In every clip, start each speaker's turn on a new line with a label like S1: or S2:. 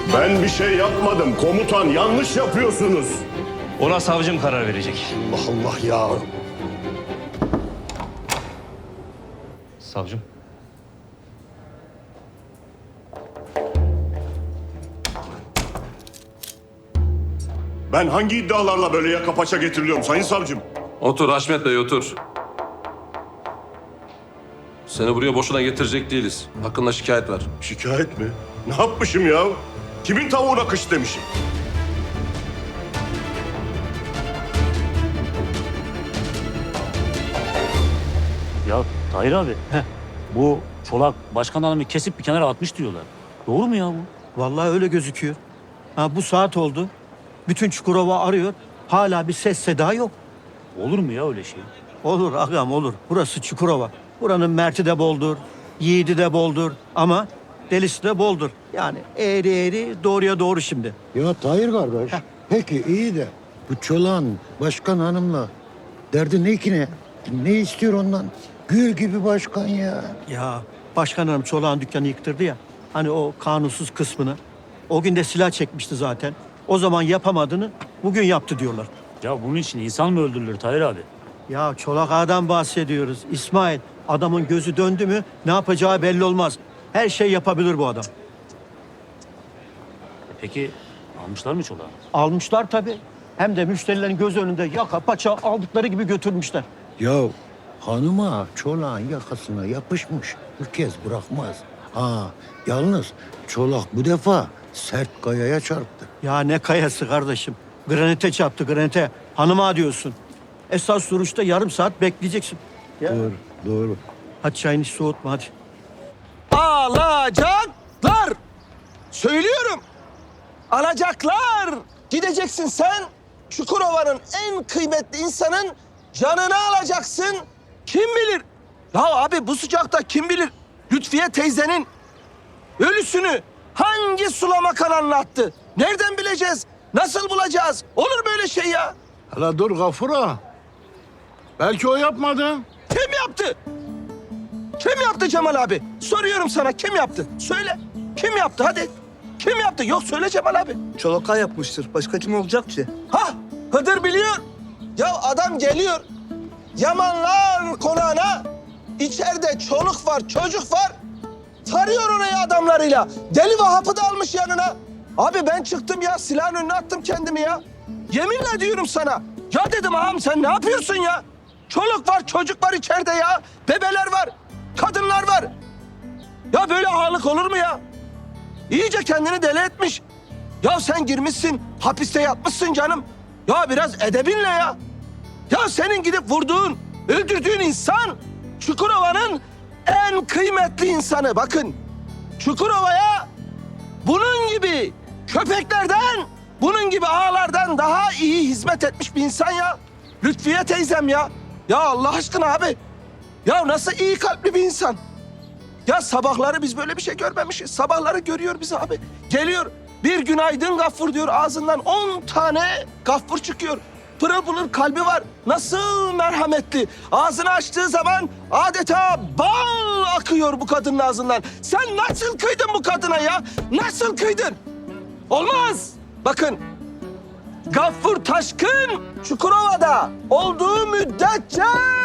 S1: Ben bir şey yapmadım komutan. Yanlış yapıyorsunuz.
S2: Ona savcım karar verecek.
S1: Allah Allah ya.
S2: Savcım.
S1: Ben hangi iddialarla böyle yaka paça getiriliyorum sayın savcım?
S3: Otur Haşmet Bey, otur. Seni buraya boşuna getirecek değiliz. Hakkında şikayet var.
S1: Şikayet mi? Ne yapmışım ya? Kimin tavuğuna kış demişim?
S4: Ya Tahir abi, bu Çolak başkan hanımı kesip bir kenara atmış diyorlar. Doğru mu ya bu?
S5: Vallahi öyle gözüküyor. Ha, bu saat oldu. Bütün Çukurova arıyor. Hala bir ses seda yok.
S4: Olur mu ya öyle şey?
S5: Olur ağam olur. Burası Çukurova. Buranın merti de boldur. Yiğidi de boldur. Ama delisi de boldur. Yani eğri eğri doğruya doğru şimdi.
S6: Ya Tahir kardeş, peki iyi de bu Çolan başkan hanımla derdi ne ki ne? Ne istiyor ondan? Gül gibi başkan ya.
S5: Ya başkan hanım Çolak'ın dükkanı yıktırdı ya. Hani o kanunsuz kısmını. O gün de silah çekmişti zaten. O zaman yapamadığını bugün yaptı diyorlar.
S4: Ya bunun için insan mı öldürülür Tahir abi?
S5: Ya Çolak Ağa'dan bahsediyoruz. İsmail, adamın gözü döndü mü ne yapacağı belli olmaz. Her şey yapabilir bu adam.
S4: Peki almışlar mı Çolak'ı?
S5: Almışlar tabii. Hem de müşterilerin göz önünde yaka paça aldıkları gibi götürmüşler.
S6: Ya hanıma Çolak'ın yakasına yapışmış. Bir kez bırakmaz. Ha yalnız Çolak bu defa sert kayaya çarptı.
S5: Ya ne kayası kardeşim. Granite çarptı granite. Hanıma diyorsun. Esas duruşta yarım saat bekleyeceksin. Ya.
S6: Doğru, doğru.
S5: Hadi çayını soğutma hadi.
S7: Alacaklar. Söylüyorum. Alacaklar. Gideceksin sen Çukurova'nın en kıymetli insanın canını alacaksın. Kim bilir? Ya abi bu sıcakta kim bilir? Lütfiye teyzenin ölüsünü hangi sulama kanalına attı? Nereden bileceğiz? Nasıl bulacağız? Olur böyle şey ya.
S8: Hala dur Gafura. Belki o yapmadı.
S7: Kim yaptı? Kim yaptı Cemal abi? Soruyorum sana kim yaptı? Söyle. Kim yaptı hadi. Kim yaptı? Yok söyle Cemal abi.
S9: Çolaka yapmıştır. Başka kim olacak ki?
S7: Ha Hıdır biliyor. Ya adam geliyor. Yamanlar konağına. İçeride çoluk var, çocuk var. Tarıyor orayı adamlarıyla. Deli Vahap'ı da almış yanına. Abi ben çıktım ya silahın önüne attım kendimi ya. Yeminle diyorum sana. Ya dedim ağam sen ne yapıyorsun ya? Çoluk var, çocuk var içeride ya. Bebeler var, kadınlar var. Ya böyle ağalık olur mu ya? İyice kendini deli etmiş. Ya sen girmişsin, hapiste yatmışsın canım. Ya biraz edebinle ya. Ya senin gidip vurduğun, öldürdüğün insan Çukurova'nın en kıymetli insanı. Bakın Çukurova'ya bunun gibi köpeklerden, bunun gibi ağalardan daha iyi hizmet etmiş bir insan ya. Lütfiye teyzem ya. Ya Allah aşkına abi. Ya nasıl iyi kalpli bir insan. Ya sabahları biz böyle bir şey görmemişiz. Sabahları görüyor bizi abi. Geliyor bir günaydın Gaffur diyor ağzından 10 tane Gaffur çıkıyor. Pırıl pırıl kalbi var. Nasıl merhametli. Ağzını açtığı zaman adeta bal akıyor bu kadının ağzından. Sen nasıl kıydın bu kadına ya? Nasıl kıydın? Olmaz. Bakın Gaffur Taşkın Çukurova'da olduğu müddetçe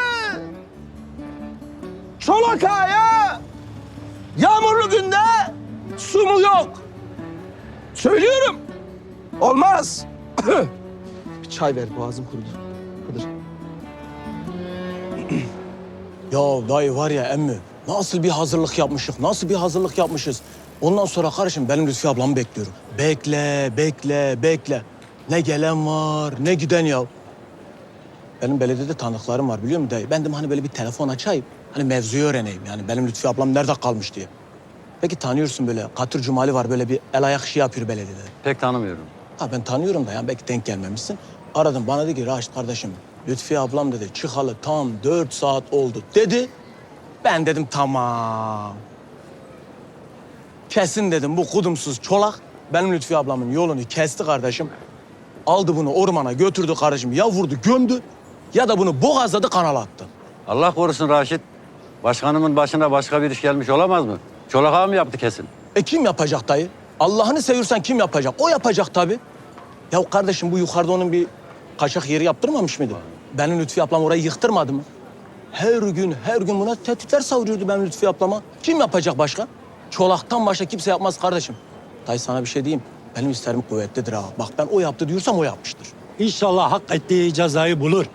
S7: Çolak Ağa'ya yağmurlu günde su mu yok? Söylüyorum. Olmaz. Bir çay ver boğazım kurudu. Hıdır. Ya dayı var ya emmi nasıl bir hazırlık yapmışız, nasıl bir hazırlık yapmışız. Ondan sonra kardeşim benim Lütfi ablamı bekliyorum. Bekle, bekle, bekle. Ne gelen var, ne giden ya. Benim belediyede tanıklarım var biliyor musun dayı? Ben de hani böyle bir telefon açayım. Hani mevzuyu öğreneyim yani benim Lütfi ablam nerede kalmış diye. Peki tanıyorsun böyle Katır Cumali var böyle bir el ayak işi yapıyor belediyede.
S10: Pek tanımıyorum.
S7: Ha ben tanıyorum da yani belki denk gelmemişsin. Aradım bana dedi ki Raşit kardeşim Lütfi ablam dedi çıkalı tam 4 saat oldu dedi. Ben dedim tamam. Kesin dedim bu kudumsuz çolak benim Lütfi ablamın yolunu kesti kardeşim. Aldı bunu ormana götürdü kardeşim ya vurdu gömdü ya da bunu boğazladı kanala attı.
S10: Allah korusun Raşit. Başkanımın başına başka bir iş gelmiş olamaz mı? Çolak ağa mı yaptı kesin?
S7: Kim yapacak dayı? Allah'ını seviyorsan kim yapacak? O yapacak tabii. Ya kardeşim bu yukarıda onun bir kaçak yeri yaptırmamış mıydı? Benim Lütfi ablam orayı yıktırmadı mı? Her gün buna tehditler savuruyordu benim Lütfi ablama. Kim yapacak başka? Çolaktan başka kimse yapmaz kardeşim. Dayı sana bir şey diyeyim. Benim isterim kuvvetlidir ha. Bak ben o yaptı diyorsam o yapmıştır.
S4: İnşallah hak ettiği cezayı bulur.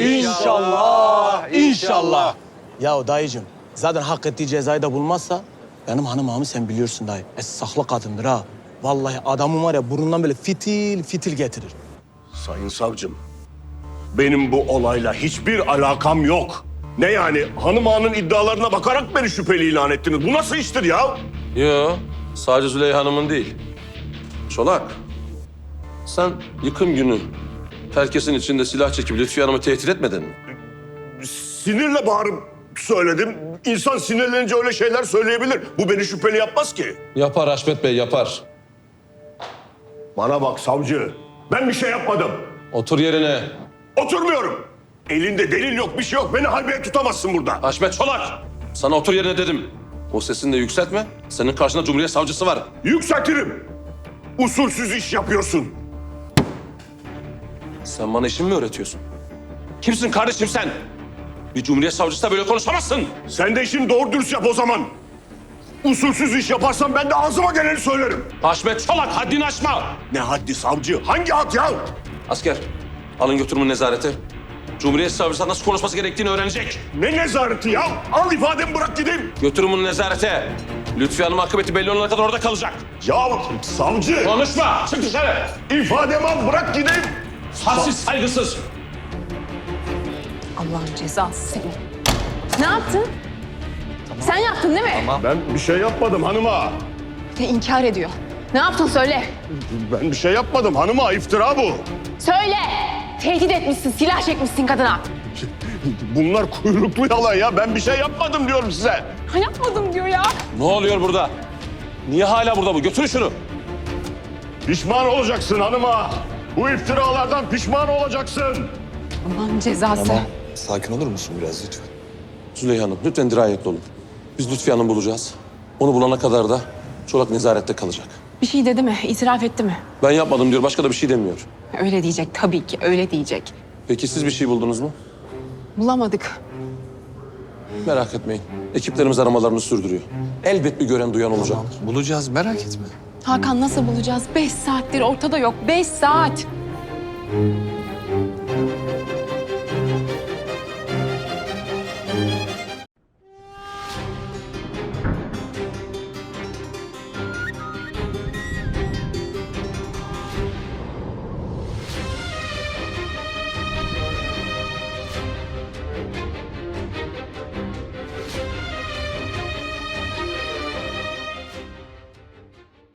S7: İnşallah. Ya dayıcığım zaten hak ettiği cezayı da bulmazsa benim hanım ağamı sen biliyorsun dayı. Saklı kadındır ha. Vallahi adamın var ya burnundan böyle fitil fitil getirir.
S1: Sayın savcım, benim bu olayla hiçbir alakam yok. Ne yani? Hanım ağanın iddialarına bakarak beni şüpheli ilan ettiniz. Bu nasıl iştir ya?
S3: Yo, sadece Züleyha Hanım'ın değil. Çolak, sen yıkım günü herkesin içinde silah çekip Lütfiye Hanım'ı tehdit etmedin mi?
S1: Sinirle bağırıp söyledim. İnsan sinirlenince öyle şeyler söyleyebilir. Bu beni şüpheli yapmaz ki.
S3: Yapar Haşmet Bey, yapar.
S1: Bana bak savcı, ben bir şey yapmadım.
S3: Otur yerine.
S1: Oturmuyorum. Elinde delil yok, bir şey yok. Beni halbuki tutamazsın burada.
S3: Haşmet Çolak, sana otur yerine dedim. O sesini de yükseltme. Senin karşında Cumhuriyet Savcısı var.
S1: Yükseltirim. Usulsüz iş yapıyorsun.
S3: Sen bana işimi mi öğretiyorsun? Kimsin kardeşim sen? Bir Cumhuriyet Savcısı da böyle konuşamazsın.
S1: Sen de işini doğru dürüst yap o zaman. Usulsüz iş yaparsan ben de ağzıma geleni söylerim.
S3: Haşmet Çolak, haddini aşma.
S1: Ne haddi savcı? Hangi had ya?
S3: Asker, alın götürün nezarete. Cumhuriyet Savcısı nasıl konuşması gerektiğini öğrenecek.
S1: Ne nezareti ya? Al ifademi bırak gideyim.
S3: Götürün bunu nezarete. Lütfi Hanım akıbeti belli olana kadar orada kalacak.
S1: Ya savcı.
S3: Konuşma, çık dışarı.
S1: İfademi al bırak gideyim.
S3: Hadsiz, saygısız.
S11: Allah'ın cezası seni. Ne yaptın? Sen yaptın değil mi?
S1: Ben bir şey yapmadım hanıma.
S11: İnkar ediyor. Ne yaptın söyle.
S1: Ben bir şey yapmadım hanıma. İftira bu.
S11: Söyle. Tehdit etmişsin, silah çekmişsin kadına.
S1: Bunlar kuyruklu yalan ya. Ben bir şey yapmadım diyorum size.
S11: Ha, yapmadım diyor ya.
S3: Ne oluyor burada? Niye hala burada bu? Götürün şunu.
S1: Pişman olacaksın hanıma. Bu iftiralardan pişman olacaksın.
S11: Allah'ın cezası.
S9: Sakin olur musun biraz lütfen?
S3: Züleyha Hanım, lütfen dirayetli olun. Biz Lütfi Hanım'ı bulacağız. Onu bulana kadar da Çolak nezarette kalacak.
S11: Bir şey dedi mi? İtiraf etti mi?
S3: Ben yapmadım diyor, başka da bir şey demiyor.
S11: Öyle diyecek tabii ki, öyle diyecek.
S3: Peki siz bir şey buldunuz mu?
S11: Bulamadık.
S3: Merak etmeyin. Ekiplerimiz aramalarını sürdürüyor. Elbet bir gören duyan olacak.
S9: Bulacağız merak etme.
S11: Hakan nasıl bulacağız? 5 saattir ortada yok. 5 saat.